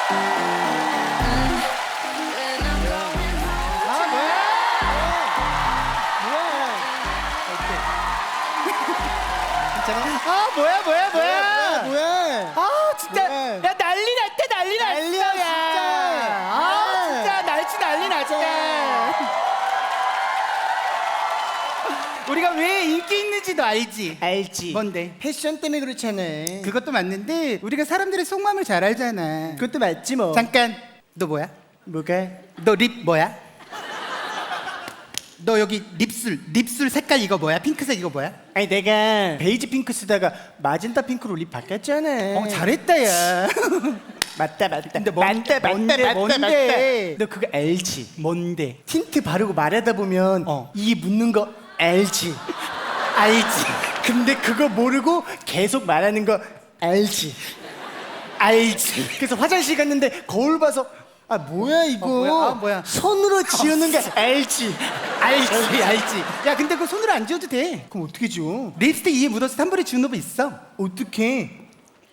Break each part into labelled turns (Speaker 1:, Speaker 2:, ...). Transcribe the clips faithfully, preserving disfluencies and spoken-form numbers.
Speaker 1: 아 뭐야 뭐야 뭐야
Speaker 2: 뭐야 뭐야
Speaker 1: 아 진짜
Speaker 2: 뭐야?
Speaker 1: 야 난리 났다 난리 났어
Speaker 2: 난리야,
Speaker 1: 야.
Speaker 2: 진짜.
Speaker 1: 아 진짜 날씨 난리 났다. 우리가 왜 인기 있는지도 알지?
Speaker 2: 알지
Speaker 1: 뭔데?
Speaker 2: 패션 때문에 그렇잖아.
Speaker 1: 그것도 맞는데 우리가 사람들의 속마음을 잘 알잖아.
Speaker 2: 그것도 맞지 뭐.
Speaker 1: 잠깐 너 뭐야?
Speaker 2: 뭐가?
Speaker 1: 너 립 뭐야? 너 여기 립술 립술 색깔 이거 뭐야? 핑크색 이거 뭐야?
Speaker 2: 아니 내가 베이지 핑크 쓰다가 마젠타 핑크로 립 바꿨잖아.
Speaker 1: 어 잘했다 야.
Speaker 2: 맞다 맞다.
Speaker 1: 근데 뭔-
Speaker 2: 맞다 맞다
Speaker 1: 뭔데,
Speaker 2: 맞다,
Speaker 1: 뭔데?
Speaker 2: 맞다. 너 그거 알지?
Speaker 1: 뭔데?
Speaker 2: 틴트 바르고 말하다 보면
Speaker 1: 어.
Speaker 2: 이 묻는 거 알지?
Speaker 1: 알지?
Speaker 2: 근데 그거 모르고 계속 말하는 거 알지?
Speaker 1: 알지?
Speaker 2: 그래서 화장실 갔는데 거울 봐서 아 뭐야 이거?
Speaker 1: 어, 뭐야? 아, 뭐야?
Speaker 2: 손으로 지우는 거 알지?
Speaker 1: 알지 알지. 야 근데 그거 손으로 안 지워도 돼.
Speaker 2: 그럼 어떻게 지워?
Speaker 1: 립스틱 이에 묻어서 한 번에 지우는 법 있어.
Speaker 2: 어떻게?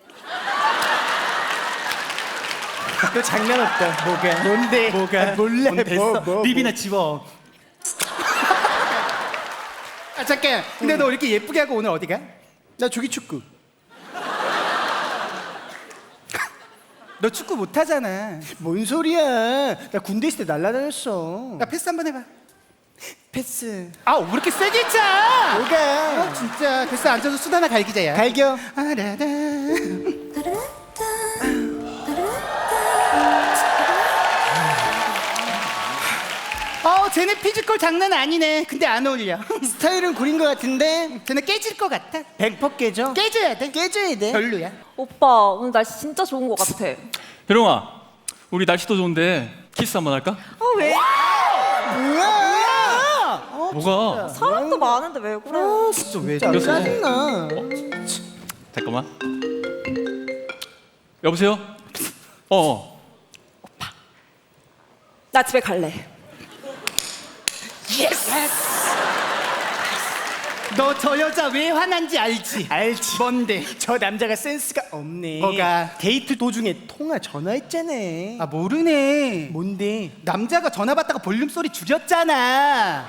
Speaker 2: 너 장난 없다.
Speaker 1: 뭐가?
Speaker 2: 뭔데?
Speaker 1: 뭐가?
Speaker 2: 아, 몰래.
Speaker 1: 뭔 됐어.
Speaker 2: 뭐, 뭐,
Speaker 1: 립이나
Speaker 2: 뭐.
Speaker 1: 지워. 아 잠깐. 근데 너 이렇게 예쁘게 하고 오늘 어디 가?
Speaker 2: 나 조기 축구.
Speaker 1: 너 축구 못 하잖아.
Speaker 2: 뭔 소리야? 나 군대 있을 때 날라다녔어.
Speaker 1: 나 패스 한번 해봐.
Speaker 2: 패스.
Speaker 1: 아 왜 이렇게 세게 차?
Speaker 2: 뭐가?
Speaker 1: 아 진짜. 됐어 앉아서 수다 하나 갈기자야.
Speaker 2: 갈겨.
Speaker 1: 아라라. 어 쟤네 피지컬 장난 아니네. 근데 안 어울려.
Speaker 2: 스타일은 구린 것 같은데
Speaker 1: 쟤네 깨질 것 같아.
Speaker 2: 백 퍼센트 깨져.
Speaker 1: 깨져야 돼.
Speaker 2: 깨져야 돼.
Speaker 1: 별로야.
Speaker 3: 오빠 오늘 날씨 진짜 좋은 것 같아.
Speaker 4: 효령아, 우리 날씨도 좋은데 키스 한번 할까?
Speaker 3: 아 왜?
Speaker 2: 뭐야?
Speaker 4: 뭐가?
Speaker 3: 사람도 많은데 왜 그래?
Speaker 1: 진짜 왜
Speaker 2: 짜-
Speaker 4: 이겼어.
Speaker 2: 짜증나.
Speaker 4: 잠깐만. 여보세요? 어, 어.
Speaker 3: 나 집에 갈래.
Speaker 1: 너 저 여자 왜 화난지 알지?
Speaker 2: 알지.
Speaker 1: 뭔데?
Speaker 2: 저 남자가 센스가 없네.
Speaker 1: 뭐가?
Speaker 2: 데이트 도중에 통화 전화했잖아.
Speaker 1: 아 모르네.
Speaker 2: 뭔데?
Speaker 1: 남자가 전화 받다가 볼륨 소리 줄였잖아.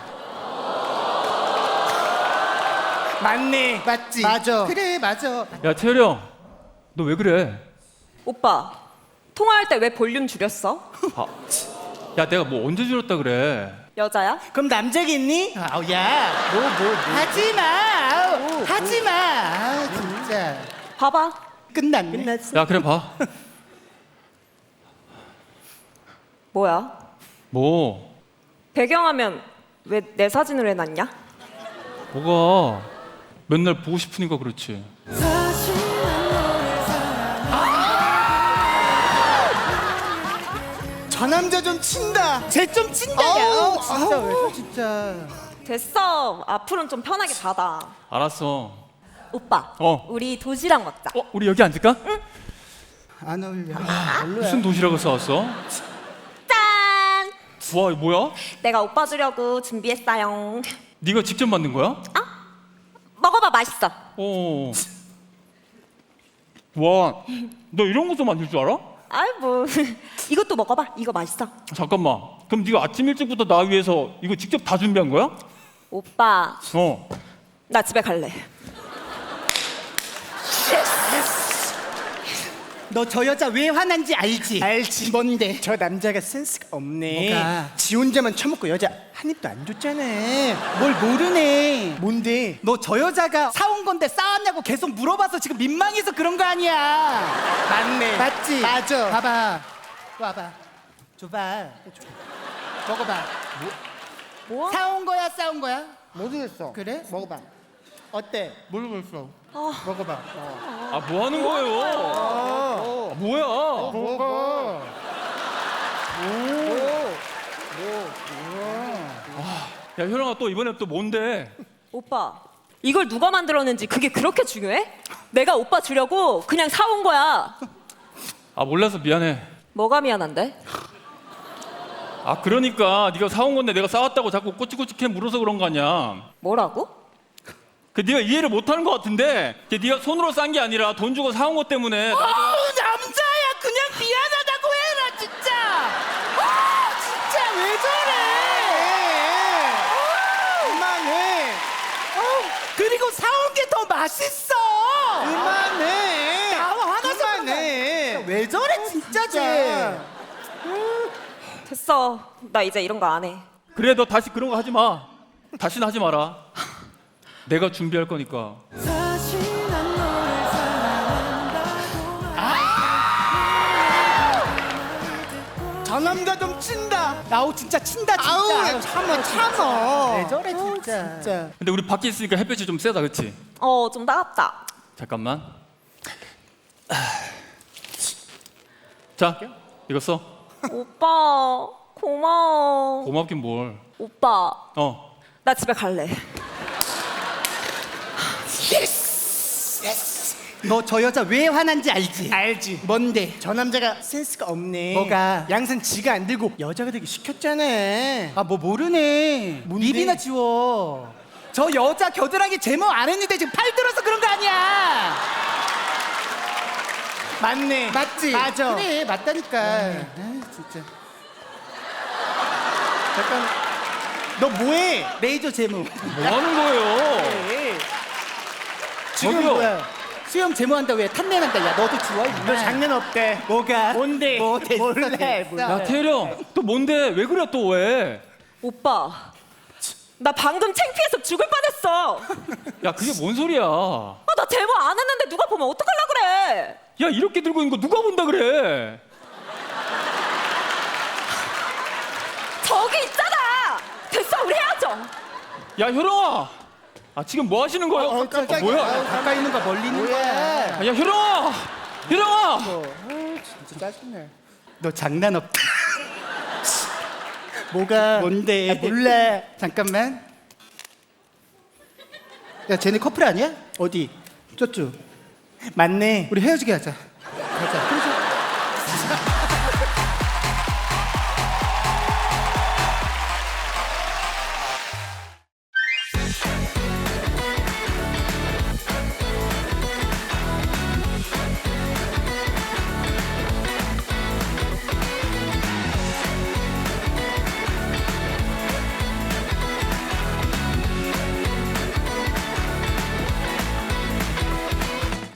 Speaker 2: 맞네.
Speaker 1: 맞지?
Speaker 2: 맞아.
Speaker 1: 그래 맞아.
Speaker 4: 야 태효령, 너 왜 그래?
Speaker 3: 오빠 통화할 때 왜 볼륨 줄였어?
Speaker 4: 아, 야 내가 뭐 언제 줄였다 그래?
Speaker 3: 여자야?
Speaker 2: 그럼 남자겠니?
Speaker 1: 아우 야.
Speaker 2: 뭐 뭐 뭐.
Speaker 1: 하지마. 아우, 하지마. 아 진짜.
Speaker 3: 봐봐.
Speaker 1: 끝났네.
Speaker 2: 끝났어.
Speaker 4: 야 그래 봐.
Speaker 3: 뭐야?
Speaker 4: 뭐?
Speaker 3: 배경화면 왜 내 사진으로 해놨냐?
Speaker 4: 뭐가? 맨날 보고 싶으니까 그렇지.
Speaker 2: 저 남자 좀 친다.
Speaker 1: 쟤 좀 친다야.
Speaker 2: 아우,
Speaker 1: 어, 진짜 왜 저 진짜.
Speaker 3: 됐어. 앞으로는 좀 편하게 받아.
Speaker 4: 알았어.
Speaker 3: 오빠.
Speaker 4: 어.
Speaker 3: 우리 도시락 먹자.
Speaker 4: 어, 우리 여기 앉을까?
Speaker 1: 안 어울려.
Speaker 4: 무슨 도시락을 싸왔어?
Speaker 3: 짠!
Speaker 4: 와, 이거 뭐야?
Speaker 3: 내가 오빠 주려고 준비했어요.
Speaker 4: 네가 직접 만든 거야?
Speaker 3: 먹어봐, 맛있어.
Speaker 4: 어. 와, 너 이런 것도 만들 줄 알아?
Speaker 3: 아이 뭐 이것도 먹어봐. 이거 맛있어.
Speaker 4: 잠깐만. 그럼 네가 아침 일찍부터 나 위해서 이거 직접 다 준비한 거야?
Speaker 3: 오빠
Speaker 4: 어.
Speaker 3: 나 집에 갈래.
Speaker 1: 너 저 여자 왜 화난지 알지?
Speaker 2: 알지.
Speaker 1: 뭔데?
Speaker 2: 저 남자가 센스가 없네.
Speaker 1: 뭐가?
Speaker 2: 지 혼자만 처먹고 여자 한 입도 안 줬잖아.
Speaker 1: 뭘 모르네.
Speaker 2: 뭔데?
Speaker 1: 너 저 여자가 사온 건데 싸왔냐고 계속 물어봐서 지금 민망해서 그런 거 아니야.
Speaker 2: 맞네.
Speaker 1: 맞지?
Speaker 2: 맞아.
Speaker 1: 봐봐. 와봐. 줘봐. 먹어봐.
Speaker 3: 뭐?
Speaker 1: 사온 거야, 싸운 거야?
Speaker 2: 모르겠어.
Speaker 1: 그래?
Speaker 2: 먹어봐. 어때?
Speaker 1: 모르겠어.
Speaker 3: 아,
Speaker 1: 먹어봐.
Speaker 4: 아, 뭐 하는 거예요? 아, 뭐야?
Speaker 1: 먹어.
Speaker 4: 야, 효령아 또 이번에 또 뭔데?
Speaker 3: 오빠 이걸 누가 만들었는지 그게 그렇게 중요해? 내가 오빠 주려고 그냥 사온 거야.
Speaker 4: 아, 몰라서 미안해.
Speaker 3: 뭐가 미안한데?
Speaker 4: 아, 그러니까 네가 사온 건데 내가 싸왔다고 자꾸 꼬치꼬치해 물어서 그런 거 아니야.
Speaker 3: 뭐라고?
Speaker 4: 그 네가 이해를 못 하는 것 같은데 걔 네가 손으로 싼 게 아니라 돈 주고 사온 것 때문에 나-
Speaker 1: 아우, 남자야. 그냥 미안하다고 맛있어.
Speaker 2: 그만해.
Speaker 1: 나와 화나서
Speaker 2: 그만해.
Speaker 1: 왜 저래 진짜 쟤.
Speaker 3: 됐어. 나 이제 이런 거 안 해.
Speaker 4: 그래 너 다시 그런 거 하지 마. 다시는 하지 마라. 내가 준비할 거니까.
Speaker 2: 저 남자 좀 친다.
Speaker 1: 아우 진짜 친다 진짜.
Speaker 2: 아우
Speaker 1: 아유,
Speaker 2: 참아 참아.
Speaker 1: 왜 저래 진짜.
Speaker 2: 진짜.
Speaker 4: 근데 우리 밖에 있으니까 햇볕이 좀 세다, 그렇지?
Speaker 3: 어, 좀 따갑다.
Speaker 4: 잠깐만. 자, 이거 써.
Speaker 3: 오빠, 고마워.
Speaker 4: 고맙긴 뭘.
Speaker 3: 오빠,
Speaker 4: 어.
Speaker 3: 나 집에 갈래.
Speaker 1: 너 저 여자 왜 화난지 알지?
Speaker 2: 알지.
Speaker 1: 뭔데?
Speaker 2: 저 남자가 센스가 없네.
Speaker 1: 뭐가?
Speaker 2: 양산 지가 안 들고 여자가 되게 시켰잖아.
Speaker 1: 아 뭐 모르네.
Speaker 2: 뭔데?
Speaker 1: 입이나 지워. 저 여자 겨드랑이 제모 안 했는데 지금 팔 들어서 그런 거 아니야.
Speaker 2: 맞네.
Speaker 1: 맞지?
Speaker 2: 맞아.
Speaker 1: 그래 맞다니까. 아 진짜.
Speaker 2: 잠깐. 너 뭐해?
Speaker 1: 레이저 제모.
Speaker 4: 뭐 하는 거예요?
Speaker 2: 네. 지금
Speaker 4: 저기요.
Speaker 2: 뭐야?
Speaker 1: 수염 제모한다 왜 탄내 난다. 야 너도 지워. 임마.
Speaker 2: 너 장난 없대.
Speaker 1: 뭐가?
Speaker 2: 뭔데?
Speaker 1: 뭐 됐어,
Speaker 2: 몰래,
Speaker 1: 됐어.
Speaker 2: 몰래.
Speaker 4: 야, 태령. 또 뭔데? 왜 그래 또 왜?
Speaker 3: 오빠, 나 방금 창피해서 죽을 뻔했어.
Speaker 4: 야, 그게 뭔 소리야? 야,
Speaker 3: 아, 나 제모 안 했는데 누가 보면 어떡하려 그래?
Speaker 4: 이렇게 들고 있는 거 누가 본다 그래?
Speaker 3: 저기 있잖아. 됐어, 우리 헤어져.
Speaker 4: 야, 효령아. 아, 지금 뭐 하시는 거예요?
Speaker 2: 어, 깜짝이야.
Speaker 4: 아, 뭐야?
Speaker 2: 아유,
Speaker 1: 가까이 있는 거 멀리 있는 거야.
Speaker 2: 뭐야?
Speaker 4: 아, 야, 효령아. 효령아.
Speaker 2: 진짜 짜증나.
Speaker 1: 너 장난 없다.
Speaker 2: 뭐가?
Speaker 1: 뭔데?
Speaker 2: 아, 몰라.
Speaker 1: 잠깐만. 야 쟤네 커플 아니야?
Speaker 2: 어디?
Speaker 1: 저쪽.
Speaker 2: 맞네.
Speaker 1: 우리 헤어지게 하자. 가자.